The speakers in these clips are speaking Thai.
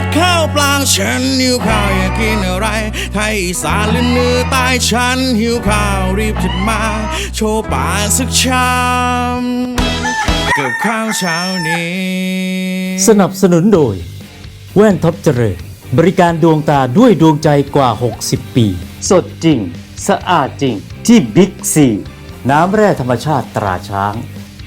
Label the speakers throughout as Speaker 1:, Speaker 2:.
Speaker 1: ข้าวปลาฉันหิวข้าวอยากกินอะไรไทยอีสานหรือเหนือใต้ฉันหิวข้าวรีบจัดมาโชว์ป่ากสักชามกับข้าวเช้านี้
Speaker 2: สนับสนุนโดยแว่นท็อปเจริญบริการดวงตาด้วยดวงใจกว่า60ปีสดจริงสะอาดจริงที่บิ๊กซีน้ำแร่ธรรมชาติตราช้าง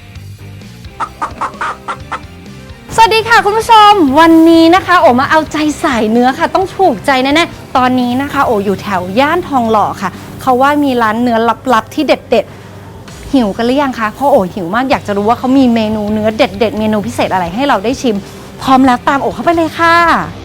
Speaker 3: สวัสดีค่ะคุณผู้ชมวันนี้นะคะโอมาเอาใจสายเนื้อค่ะต้องถูกใจแน่ๆตอนนี้นะคะโออยู่แถวย่านทองหล่อค่ะเขาว่ามีร้านเนื้อลับๆที่เด็ดๆหิวกันหรือยังคะเพราะโอหิวมากอยากจะรู้ว่าเขามีเมนูเนื้อเด็ดๆเมนูพิเศษอะไรให้เราได้ชิมพร้อมแล้วตามโอเข้าไปเลยค่ะ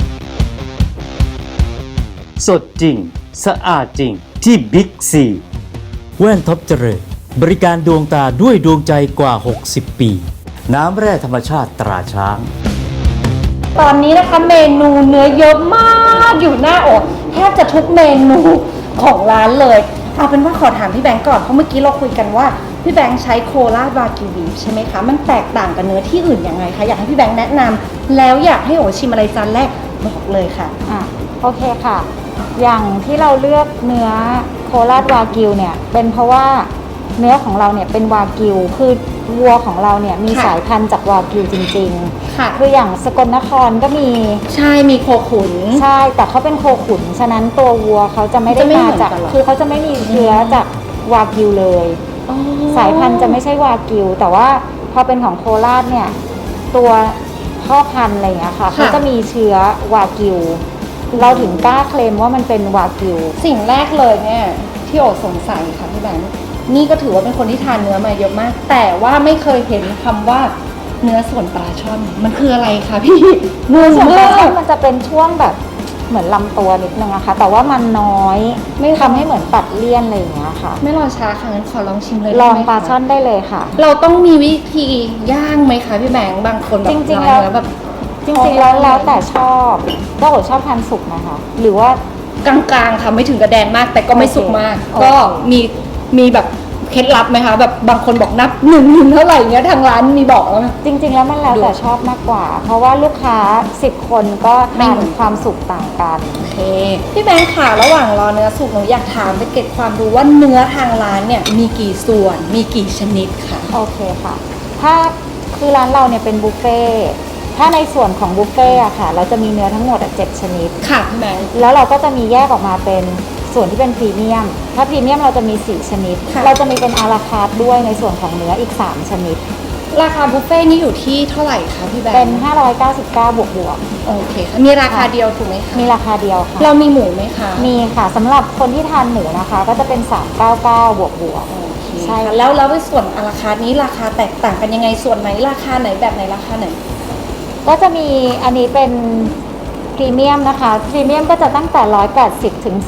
Speaker 2: สดจริงสะอาดจริงที่บิ๊กซีแว่นท็อปเจริญบริการดวงตาด้วยดวงใจกว่า60ปีน้ำแร่ธรรมชาติตราช้าง
Speaker 3: ตอนนี้นะคะเมนูเนื้อเยอะมากอยู่หน้าโอแทบจะทุกเมนูของร้านเลยเอาเป็นว่าขอถามพี่แบงก์ก่อนเพราะเมื่อกี้เราคุยกันว่าพี่แบงค์ใช้โคราชวากิวบีฟใช่ไหมคะมันแตกต่างกับเนื้อที่อื่นยังไงคะอยากให้พี่แบงค์แนะนำแล้วอยากให้โอชิมอะไรจานแรกบอกเลยค่ะ
Speaker 4: โอเคค่ะอย่างที่เราเลือกเนื้อโคราชวากิวเนี่ยเป็นเพราะว่าเนื้อของเราเนี่ยเป็นวากิวคือวัวของเราเนี่ยมีสายพันธุ์จากวากิวจริงๆค่ะคืออย่างสกลนครก็มี
Speaker 3: ใช่มีโคขุน
Speaker 4: ใช่แต่เขาเป็นโคขุนฉะนั้นตัววัวเขาจะไม่ได้มาจากคือเขาจะไม่มีเชื้อจากวากิวเลยสายพันธุ์จะไม่ใช่วากิวแต่ว่าพอเป็นของโคราชเนี่ยตัวพ่อพันธุ์อะไรอย่างเงี้ยค่ะเขาจะมีเชื้อวากิวเราถึงกล้าเคลมว่ามันเป็นวากิว
Speaker 3: สิ่งแรกเลยเนี่ยที่โอสงสัยค่ะพี่แบงค์นี่ก็ถือว่าเป็นคนที่ทานเนื้อมาเยอะมากแต่ว่าไม่เคยเห็นคำว่าเนื้อส่วนปลาช่อนมันคืออะไรคะพี่
Speaker 4: เนื้อส่วนปลาช่อนมันจะเป็นช่วงแบบเหมือนลำตัวนิดนึงอะค่ะแต่ว่ามันน้อยไม่ทำให้เหมือนตัดเลี่ยนอะไรอย่างเงี้ยค่ะ
Speaker 3: ไม่รอช้าค่ะงั้นขอลองชิมเลย
Speaker 4: ลองปลาช่อนได้เลยค่ะ
Speaker 3: เราต้องมีวิธีย่างไหมคะพี่แบงค์บางคนแบบ
Speaker 4: จริงๆแล้ว
Speaker 3: แบบ
Speaker 4: จริงๆแล้วแต่ชอบก็โอชอบทานสุกนะคะหรือว่
Speaker 3: ากลางๆค่ะไม่ถึงกระแดงมากแต่ก็ไม่สุกมากก็มีแบบเคล็ดลับไหมคะแบบบางคนบอกนับหนึ่งเท่าไหร่เงี้ยทางร้านมีบอกแล้วไหม
Speaker 4: จริงๆแล้วมันแล้วแต่ชอบมากกว่าเพราะว่าลูกค้า10คนก็ทานความสุกต่างกัน
Speaker 3: โอเคพี่แบงค์ค่ะระหว่างรอเนื้อสุกหนูอยากถามไปเก็บความรู้ว่าเนื้อทางร้านเนี่ยมีกี่ส่วนมีกี่ชนิดค่ะ
Speaker 4: โอเคค่ะถ้าคือร้านเราเนี่ยเป็นบุฟเฟ่ถ้าในส่วนของบุฟเฟ่อะค่ะเราจะมีเนื้อทั้งหมด7ชนิด
Speaker 3: ค่ะพี่แบงค์
Speaker 4: แล้วเราก็จะมีแยกออกมาเป็นส่วนที่เป็นพรีเมียมถ้าพรีเมียมเราจะมี4ชนิดเราจะมีเป็นอาราคาร์ทด้วยในส่วนของเนื้ออีก3ชนิด
Speaker 3: ราคาบุฟเฟ่นี่อยู่ที่เท่าไหร่คะพี่แบงค์
Speaker 4: เป็น599บวก
Speaker 3: โอเคค่ะมีราคาเดียวถูกไหมคะ
Speaker 4: มีราคาเดียวค่ะ
Speaker 3: เรามีหมูไหมคะ
Speaker 4: มีค่ะสำหรับคนที่ทานหมูนะคะก็จะเป็น399บวก
Speaker 3: ใช่แล้วในส่วนอาราคาร์ทนี้ราคาแตกต่างกันยังไงส่วนไหนราคาไหนแบบไหนราคาไหน
Speaker 4: ก็จะมีอันนี้เป็นพรีเมียมนะคะพรีเมียมก็จะตั้งแต่180ถึง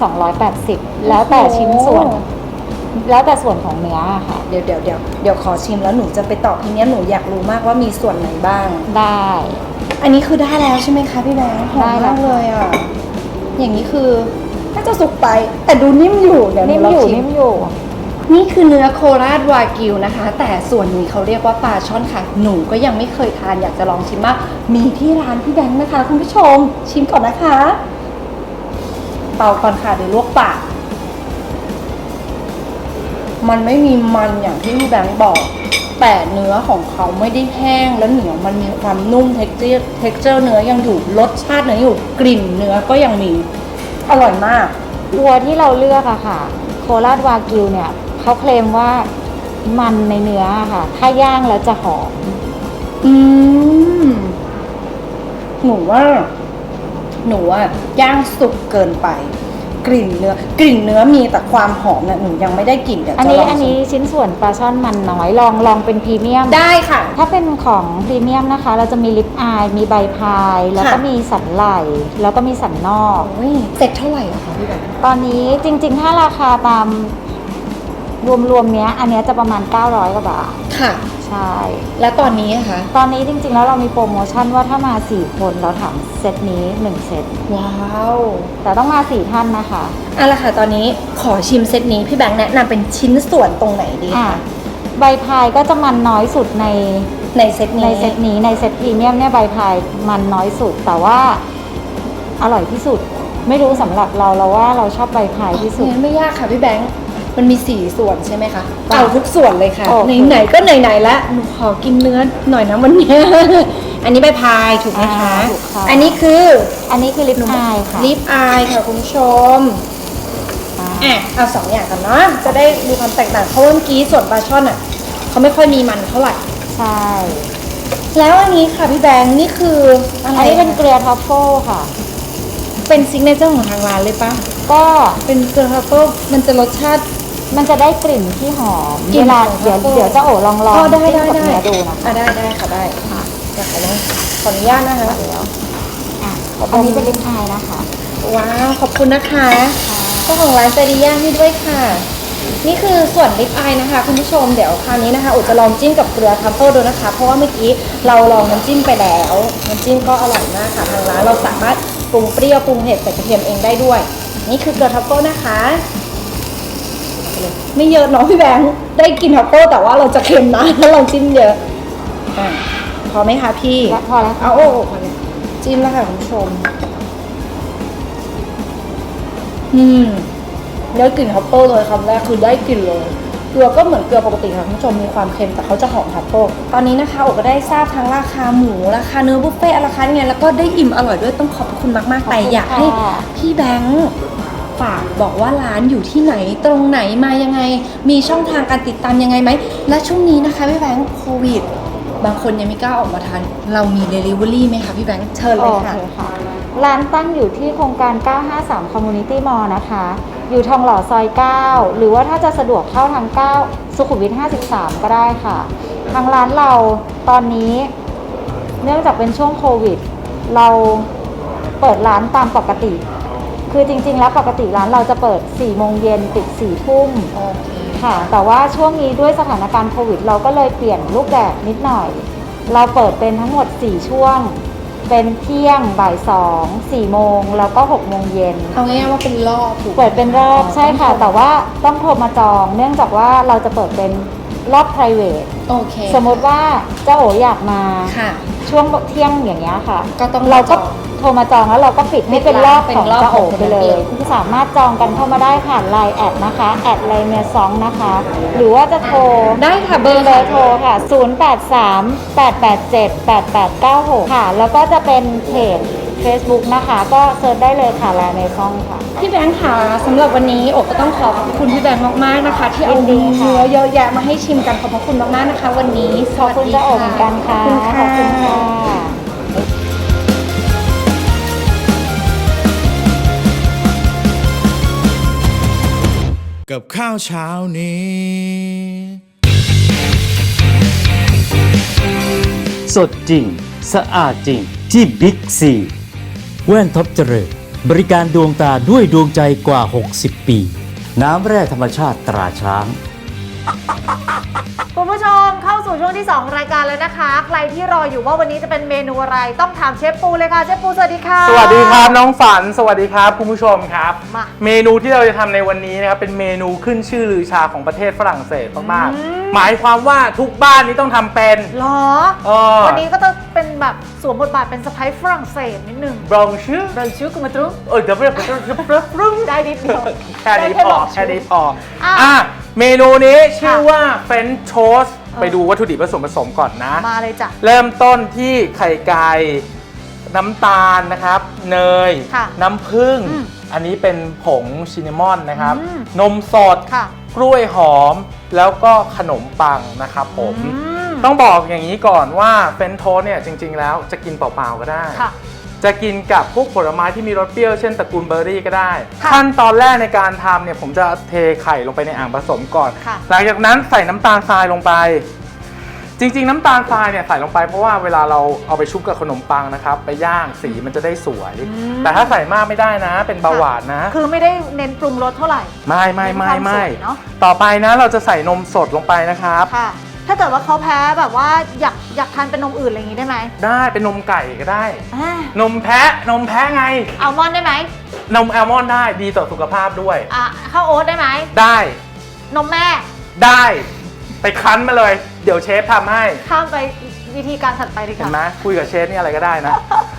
Speaker 4: 280แล้วแต่ชิ้นส่วนแล้วแต่ส่วนของเนื้อค่ะ
Speaker 3: เดี๋ยวขอชิมแล้วหนูจะไปตอบทีนี้หนูอยากรู้มากว่ามีส่วนไหนบ้าง
Speaker 4: ได้
Speaker 3: อันนี้คือได้แล้วใช่ไหมคะพี่แบงค์หอมมากเลยอ่ะอย่างนี้คือน่าจะสุกไปแต่ดูนิ่มอยู่เดี๋ยว
Speaker 4: นิ่มอยู่
Speaker 3: นี่คือเนื้อโคราชวากิวนะคะแต่ส่วนนี้เขาเรียกว่าปลาช่อนค่ะหนูก็ยังไม่เคยทานอยากจะลองชิมมากมีที่ร้านพี่แบงค์นะคะคุณผู้ชมชิมก่อนนะคะเป่าก่อนค่ะเดี๋ยวลวกปากมันไม่มีมันอย่างที่พี่แบงค์บอกแต่เนื้อของเขาไม่ได้แห้งและเหนียวมันมีความนุ่มเท็กเจอร์เนื้อยังอยู่รสชาติเนื้ออยู่กลิ่นเนื้อก็ยังมีอร่อยมาก
Speaker 4: วัวที่เราเลือกอะค่ะโคราชวากิวเนี่ยเขาเคลมว่ามันในเนื้อค่ะถ้าย่างแล้วจะหอม
Speaker 3: หนูว่าย่างสุกเกินไปกลิ่นเนื้อมีแต่ความหอมน่ะหนูยังไม่ได้กลิ่นเดี๋ยวจะลอง
Speaker 4: อันนี้ชิ้นส่วนปลาช่อนมันน้อยลองเป็นพรีเมียม
Speaker 3: ได้ค่ะ
Speaker 4: ถ้าเป็นของพรีเมียมนะคะเราจะมีลิปอายมีใบพายแล้วก็มีสันไหล่แล้วก็มีสันนอก
Speaker 3: เซ็ตเท่าไหร่อะคะพี่แบงค์
Speaker 4: ตอนนี้จริงๆถ้าราคาตามรวมเนี้ยอันเนี้ยจะประมาณ900กว่าบาท
Speaker 3: ค่ะ
Speaker 4: ใช่
Speaker 3: แล้วตอนนี้นะคะ
Speaker 4: ตอนนี้จริงๆแล้วเรามีโปรโมชั่นว่าถ้ามา4คนเราถามเซตนี้1เซต
Speaker 3: ว้าว
Speaker 4: แต่ต้องมา4ท่านนะคะ
Speaker 3: เอาละค่ะตอนนี้ขอชิมเซตนี้พี่แบงค์แนะนำเป็นชิ้นส่วนตรงไหนดีคะ
Speaker 4: ใบพายก็จะมันน้อยสุดใน
Speaker 3: เซตนี้
Speaker 4: ในเซตพรีเมียมเนี่ยใบพายมันน้อยสุดแต่ว่าอร่อยที่สุด ไม่รู้สำหรับเราว่าเราชอบใบพายที่สุด
Speaker 3: งั้นไม่ยากค่ะพี่แบงค์มันมี4ส่วนใช่ไหมคะ
Speaker 4: ค่ะ
Speaker 3: เอาทุกส่วนเลยค่ะ
Speaker 4: โอเค
Speaker 3: ไหนๆก็ไหนๆแล้วหนูขอกินเนื้อหน่อยนะวันนี้ อันนี้ใบพายถูกไหมคะ
Speaker 4: ถูกค่ะ
Speaker 3: อันนี้คือ
Speaker 4: อันนี้คือลิปอายค่ะ
Speaker 3: ลิปอายค่ะคุณผู้ชมเอา2อย่างกันเนาะจะได้ดูความแตกต่างเพราะว่าเมื่อกี้ส่วนปลาช่อนอ่ะเขาไม่ค่อยมีมันเท่าไหร่
Speaker 4: ใช่
Speaker 3: แล้วอันนี้ค่ะพี่แบงค์นี่คืออะไร
Speaker 4: อันนี้เป็นเกลือทรัฟเฟิลค่ะ
Speaker 3: เป็นซิกเนเจอร์ของทางร้านเลยปะ
Speaker 4: ก็
Speaker 3: เป็นเกลือทรัฟเฟิลมันจะรสชาติ
Speaker 4: มันจะได้กลิ่นที่หอม
Speaker 3: กลิ่น
Speaker 4: เวลา
Speaker 3: ของ
Speaker 4: เดี๋ยว
Speaker 3: truffle
Speaker 4: เดี๋ยวจะโอ๋ลอง
Speaker 3: อ๋อได้
Speaker 4: จิ้ม
Speaker 3: ได้
Speaker 4: กับ
Speaker 3: ได้
Speaker 4: เนื้อดูนะคะ
Speaker 3: ได้ค่ะได้ค่ะเดี๋ยวขออนุญาตนะคะ
Speaker 4: เดี๋ยวอันนี้เป็นลิปอายนะคะ
Speaker 3: ว้าวขอบคุณนะคะเจ้าของร้านใจดีย่างให้ด้วยค่ะ นี่คือส่วนลิปอายนะคะคุณผู้ชมเดี๋ยวคราวนี้นะคะอุจะลองจิ้มกับเกลือทรัฟเฟิลดูนะคะ เพราะว่าเมื่อกี้เราลองน้ำจิ้มไปแล้วน้ำจิ้มก็อร่อยมากค่ะทางร้านเราสามารถปรุงเปรี้ยวปรุงเผ็ดใส่กระเทียมเองได้ด้วย นี่คือเกลือทรัฟเฟิลนะคะไม่เยอะเน้องพี่แบงค์ได้กินทรัฟเฟิลแต่ว่าเราจะเค็มนะถ้าเราจิ้มเยอะอ่ะพอไหมคะพี่
Speaker 4: และพอแล้วค่ะ
Speaker 3: เอาโอ้พอแล้วจิ้มแล้วค่ะคุณผู้ชมได้กลิ่นทรัฟเฟิลเลยคำแรกคือได้กลิ่นเลยเกลือก็เหมือนเกลือปกติค่ะคุณผู้ชมมีความเค็มแต่เขาจะหอมทรัฟเฟิลตอนนี้นะคะโอก็ได้ทราบทั้งราคาหมูราคาเนื้อบุฟเฟ่ต์ราคาไงแล้วก็ได้อิ่มอร่อยด้วยต้องขอบคุณมากๆแต่อยากให้พี่แบงค์ฝากบอกว่าร้านอยู่ที่ไหนตรงไหนมายังไง มีช่องทางการติดตามยังไงไหมและช่วงนี้นะคะพี่แบงค์โควิดบางคนยังไม่กล้าออกมาทานเรามี Delivery ไหมคะพี่แบงค์เชิญเลย
Speaker 4: โอ
Speaker 3: ค่ะ
Speaker 4: เคค่ะ ร้านตั้งอยู่ที่โครงการ 953 Community Mall นะคะ อยู่ทองหล่อซอย 9 หรือว่าถ้าจะสะดวกเข้าทาง 9 สุขุมวิท 53 ก็ได้ค่ะ ทางร้านเราตอนนี้เนื่องจากเป็นช่วงโควิด เราเปิดร้านตามปกติ คือจริงๆแล้วปกติร้านเราจะเปิด 4 โมงเย็นปิด 4 ทุ่ม
Speaker 3: โอเค
Speaker 4: ค่ะ แต่ว่าช่วงนี้ด้วยสถานการณ์โควิด เราก็เลยเปลี่ยนรูปแบบนิดหน่อย เราเปิดเป็นทั้งหมด 4 ช่วง เป็นเที่ยงบ่าย2 4 โมงแล้วก็ 6 โมงเย็น
Speaker 3: เอาง่ายๆว่าเป็นรอบถูกไหม
Speaker 4: เปิดเป็นรอบใช่ค่ะ
Speaker 3: ต้องโทร
Speaker 4: แต่ว่าต้องโทรมาจอง เนื่องจากว่าเราจะเปิดเป็นรอบ private
Speaker 3: โอเค
Speaker 4: สมมติว่าเจ้าโออยากมา
Speaker 3: ค่ะ
Speaker 4: ช่วงเที่ยงอย่างเงี้ยค่ะ
Speaker 3: ก็ต้อง
Speaker 4: เราก็
Speaker 3: จอง
Speaker 4: โทรมาจองแล้วเราก็ปิดให้เป็นรอบ
Speaker 3: เป็น
Speaker 4: ของ
Speaker 3: รอบ
Speaker 4: เจ้าโอ
Speaker 3: ของ
Speaker 4: ไปเล
Speaker 3: คนเดี
Speaker 4: ย
Speaker 3: ยว
Speaker 4: สามารถจองกันเข้ามาได้ผ่านไลน์แอดนะคะแอดไลน์เมียซองนะคะ หรือว่าจะโทร
Speaker 3: ได้ค่ะเบอร์
Speaker 4: เบอร์โทรค่ะ 0838878896 ค่ะ แล้วก็จะเป็นเพจ Facebook นะคะ ก็เซิร์ชได้เลยค่ะไลน์เมียซองค่ะ
Speaker 3: พี่แบงค์ค่ะสำหรับวันนี้โอกก็ต้องขอบคุณพี่แบงค์มากๆนะคะ ที่เอา
Speaker 4: ยินดีค่ะ
Speaker 3: เนื้อเยอะแยะมาให้ชิมกันขอบพระคุณมากๆนะคะ วันนี้ส
Speaker 4: ขอบ
Speaker 3: วัส
Speaker 4: คุณ
Speaker 3: ดี
Speaker 4: เจ้าโอเหมือนกันค่ะ
Speaker 3: ขอบคุณค่ะ
Speaker 1: กับข้าวเช้านี้
Speaker 2: สดจริง สะอาดจริงที่บิ๊กซีแว่นท็อปเจริญบริการดวงตาด้วยดวงใจกว่า 60 ปี น้ำแร่ธรรมชาติตราช้าง
Speaker 5: คุณผู้ชมเข้าสู่ช่วงที่ 2 รายการแล้วนะคะ ใครที่รออยู่ว่าวันนี้จะเป็นเมนูอะไรต้องถามเชฟปูเลยค่ะเชฟปูสวัสดีค่ะ
Speaker 6: สวัสดีครับน้องฝันสวัสดีครับคุณผู้ชมครับ
Speaker 5: มา
Speaker 6: เมนูที่เราจะทำในวันนี้นะครับเป็นเมนูขึ้นชื่อลือชาของประเทศฝรั่งเศสมากๆหมายความว่าทุกบ้านนี้ต้องทำเป็น
Speaker 5: หรอ วันนี้ก็จะเป็นแบบสวมบทบาทเป็นสไปซ์ฝรั่งเศสนิดหนึ่ง
Speaker 6: บรองชื่อ
Speaker 5: เราชื่อกุมาตรุ
Speaker 6: เดี๋ยว
Speaker 5: ได้นิดเดียว
Speaker 6: แค่นี้
Speaker 5: ได้
Speaker 6: พอ
Speaker 5: บอก
Speaker 6: แค่นี้พอ
Speaker 5: อ่ะ
Speaker 6: อ่ะเมนูนี้ชื่อ
Speaker 5: ค่ะ
Speaker 6: ว่าเฟรนช์โทสไปดูวัตถุดิบผสมก่อนนะ
Speaker 5: มาเลยจ้ะ
Speaker 6: เริ่มต้นที่ไข่ไก่น้ำตาลนะครับ เนย
Speaker 5: ค่ะ
Speaker 6: น้ำผึ้ง
Speaker 5: อืม
Speaker 6: อันนี้เป็นผงชินนามอนนะครับ
Speaker 5: อืม
Speaker 6: นมสด
Speaker 5: ค่ะ
Speaker 6: กล้วยหอม แล้วก็ขนมปังนะครับผม
Speaker 5: ม
Speaker 6: ต้องบอกอย่างนี้ก่อนว่าเฟรนช์โทสต์เนี่ยจริง ๆ แล้วจะกินเปล่าๆก็ได้
Speaker 5: ค่ะ
Speaker 6: จะกินกับพวกผลไม้ที่มีรสเปรี้ยวเช่นตระกูลเบอร์รี่ก็ได้
Speaker 5: ค่ะ
Speaker 6: ขั้นตอนแรกในการทำเนี่ยผมจะเทไข่ลงไปในอ่างผสมก่อน
Speaker 5: ค่ะ
Speaker 6: หลังจากนั้นใส่น้ำตาลทรายลงไป จริงๆ น้ำตาลทรายเนี่ยใส่ลงไปเพราะว่าเวลาเราเอาไปชุบกับขนมปังนะครับไปย่างสีมันจะได้สวย แต่ถ้าใส่มากไม่ได้นะเป็นเบาหวานนะ
Speaker 5: คือไม่ได้เน้นปรุงรสเท่าไหร่
Speaker 6: ไม่
Speaker 5: เน้นความสวยเนอะ
Speaker 6: ต่อไปนะเราจะใส่นมสดลงไปนะครับ
Speaker 5: ค่ะ ถ้าเกิดว่าเขาแพ้แบบว่าอยากทานเป็นนมอื่นอะไรอย่างนี้ได้ไหม
Speaker 6: ได้เป็นนมไก่ก็ได้
Speaker 5: อ่าน
Speaker 6: มแพะไง
Speaker 5: อัลมอนด์ได้ไหม
Speaker 6: นมแอลมอนด์ได้ดีต่อสุขภาพด้วย
Speaker 5: ข้าวโอ๊ตได้ไหม
Speaker 6: ได้
Speaker 5: นมแม่
Speaker 6: ได้ไปคั้นมาเลย เดี๋ยวเชฟทำให้
Speaker 5: ข้ามไปวิธีการถัดไปดีก
Speaker 6: เห็น
Speaker 5: ว่า
Speaker 6: ไหมคุยกับเชฟนี่อะไรก็ได้นะ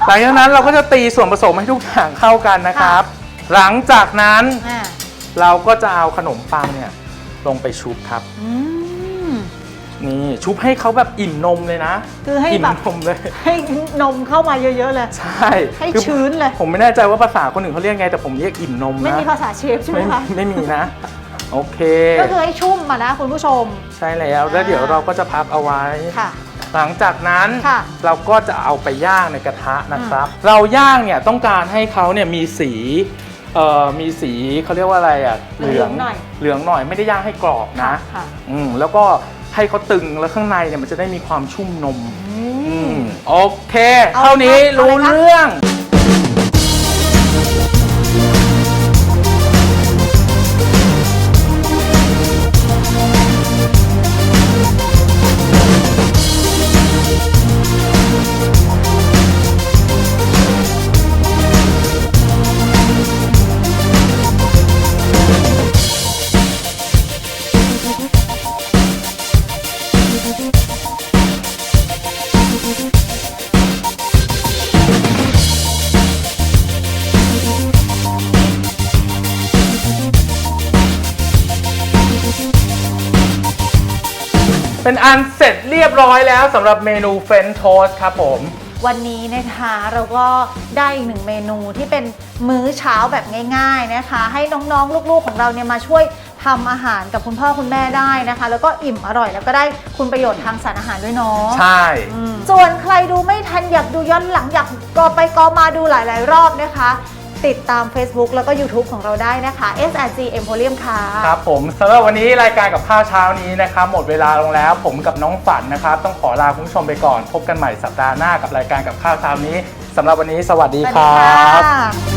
Speaker 6: หลังจากนั้นเราก็จะตีส่วนผสมให้ทุกอย่างเข้ากันนะครับ หลังจากนั้น
Speaker 5: อ่า
Speaker 6: เราก็จะเอาขนมปังเนี่ยลงไปชุบครับ
Speaker 5: อืม
Speaker 6: นี่ชุบให้เขาแบบอิ่มนมเลยนะ
Speaker 5: คือให้
Speaker 6: อิ่ม
Speaker 5: แบบ
Speaker 6: นมเลย
Speaker 5: ให้นมเข้ามาเยอะๆเลย
Speaker 6: ใช่
Speaker 5: ให้
Speaker 6: คือ
Speaker 5: ชื้นเลย
Speaker 6: ผมไม่แน่ใจว่าภาษาคนอื่นเขาเรียกไงแต่ผมเรียกอิ่มนมนะ
Speaker 5: ไม่มีภาษาเชฟใช่ไหมคะ
Speaker 6: ไม่มีนะ โอเค
Speaker 5: ก็คือให้ชุ่มมานะคุณผู้ชม
Speaker 6: ใช่แล้วแล้วเดี๋ยวเราก็จะพักเอาไว้
Speaker 5: ค่ะ
Speaker 6: หลังจากนั้น
Speaker 5: ค่ะ
Speaker 6: เราก็จะเอาไปย่างในกระทะนะครับ เราย่างเนี่ยต้องการให้เขาเนี่ยมีสีมีสีเขาเรียกว่าอะไรอ่ะ
Speaker 5: เหลืองหน่อย
Speaker 6: เหลืองหน่อยไม่ได้ย่างให้กรอบนะ
Speaker 5: ค่ะ
Speaker 6: แล้วก็ให้เขาตึงแล้วข้างในเนี่ยมันจะได้มีความชุ่มนมโอเค
Speaker 5: เอา
Speaker 6: เท่านี้
Speaker 5: ครับ
Speaker 6: รู้
Speaker 5: เอาเลยครับ
Speaker 6: เรื่อง เป็นอันเสร็จเรียบร้อยแล้วสำหรับเมนูเฟรนช์โทสต์ครับผม
Speaker 5: วันนี้นะคะเราก็ได้อีกหนึ่งเมนูที่เป็นมื้อเช้าแบบง่าย ๆนะคะ ให้น้องๆลูกๆของเราเนี่ยมาช่วยทำอาหารกับคุณพ่อคุณแม่ได้นะคะ แล้วก็อิ่มอร่อยแล้วก็ได้คุณประโยชน์ทางสารอาหารด้วยเนาะ
Speaker 6: ใช่
Speaker 5: ส่วนใครดูไม่ทันอยากดูย้อนหลังอยากก็ไปก็มาดูหลายๆรอบนะคะ ติดตาม Facebook แล้วก็ YouTube ของเราได้นะคะ SRG Emporium ค่ะ
Speaker 6: ครับผมสำหรับวันนี้รายการกับข้าวเช้านี้นะครับหมดเวลาลงแล้วผมกับน้องฝันนะครับต้องขอลาคุณผู้ชมไปก่อนพบกันใหม่สัปดาห์หน้ากับรายการกับข้าวเช้านี้สำหรับวันนี้สวัสดี
Speaker 5: สวัส
Speaker 6: ค
Speaker 5: ดี
Speaker 6: รั
Speaker 5: ค่ะ
Speaker 6: บ